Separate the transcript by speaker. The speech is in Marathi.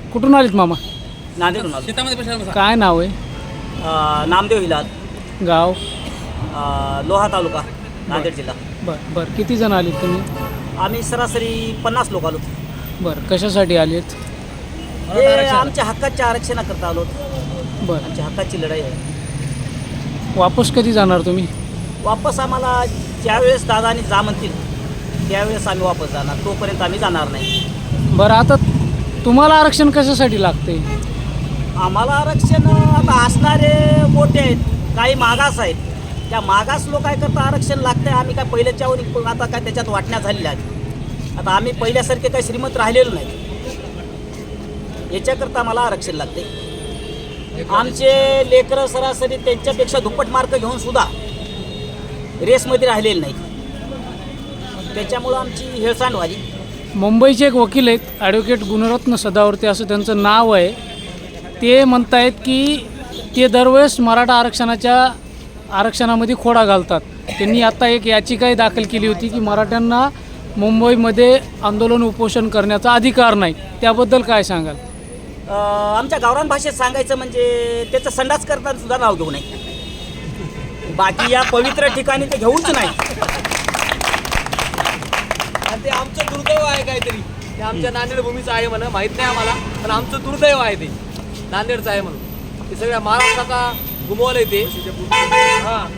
Speaker 1: कुठून आलीत मामा?
Speaker 2: नांदेडून आलो.
Speaker 1: काय नाव आहे?
Speaker 2: नामदेव हिलाल,
Speaker 1: गाव?
Speaker 2: लोहा तालुका, नांदेड जिल्हा.
Speaker 1: बरं बरं, किती जण आलीत तुम्ही?
Speaker 2: आम्ही सरासरी 50 लोक आलो.
Speaker 1: बरं, कशासाठी आलीत?
Speaker 2: हे आमच्या हक्काच्या आरक्षणाकरता आलो.
Speaker 1: बरं,
Speaker 2: आमच्या हक्काची लढाई आहे.
Speaker 1: वापस कधी जाणार तुम्ही?
Speaker 2: वापस आम्हाला ज्यावेळेस दादानी जा म्हणतील त्यावेळेस आम्ही वापस जाणार, तोपर्यंत आम्ही जाणार नाही.
Speaker 1: बरं, आता तुम्हाला आरक्षण कशासाठी लागते?
Speaker 2: आम्हाला आरक्षण आता असणारे मोठे आहेत, काही मागास आहेत. त्या मागास लोक काय करता आरक्षण लागतं आहे. आम्ही काय पहिल्याच्यावर आता काय त्याच्यात वाटण्या झालेल्या आहेत. आता आम्ही पहिल्यासारखे काही श्रीमंत राहिलेलो नाही. याच्याकरता आम्हाला आरक्षण लागते. आमचे लेकरं सरासरी त्यांच्यापेक्षा दुप्पट मार्क घेऊन सुद्धा रेसमध्ये राहिलेले नाही. त्याच्यामुळं आमची हेळसांड व्हावी.
Speaker 1: मुंबईचे एक वकील आहेत, ॲडव्होकेट गुणरत्न सदावर्ते असं त्यांचं नाव आहे. ते म्हणतायत की ते दरवेळेस मराठा आरक्षणामध्ये खोडा घालतात. त्यांनी आता एक याचिकाही दाखल केली होती की मराठ्यांना मुंबईमध्ये आंदोलन उपोषण करण्याचा अधिकार नाही. त्याबद्दल काय सांगाल?
Speaker 2: आमच्या गावरान भाषेत सांगायचं म्हणजे त्याचं संडास करताना सुद्धा नाव घेऊ नये. बाकी या पवित्र ठिकाणी ते घेऊच नाही.
Speaker 3: आणि ते आमचं दुर्दैव आहे काहीतरी. ते आमच्या नांदेड भूमीचं आहे म्हणा, माहीत नाही आम्हाला, पण आमचं दुर्दैव आहे ते नांदेडचं आहे म्हणून. ते सगळ्या महाराष्ट्राचा घुमवलं आहे ते. हां,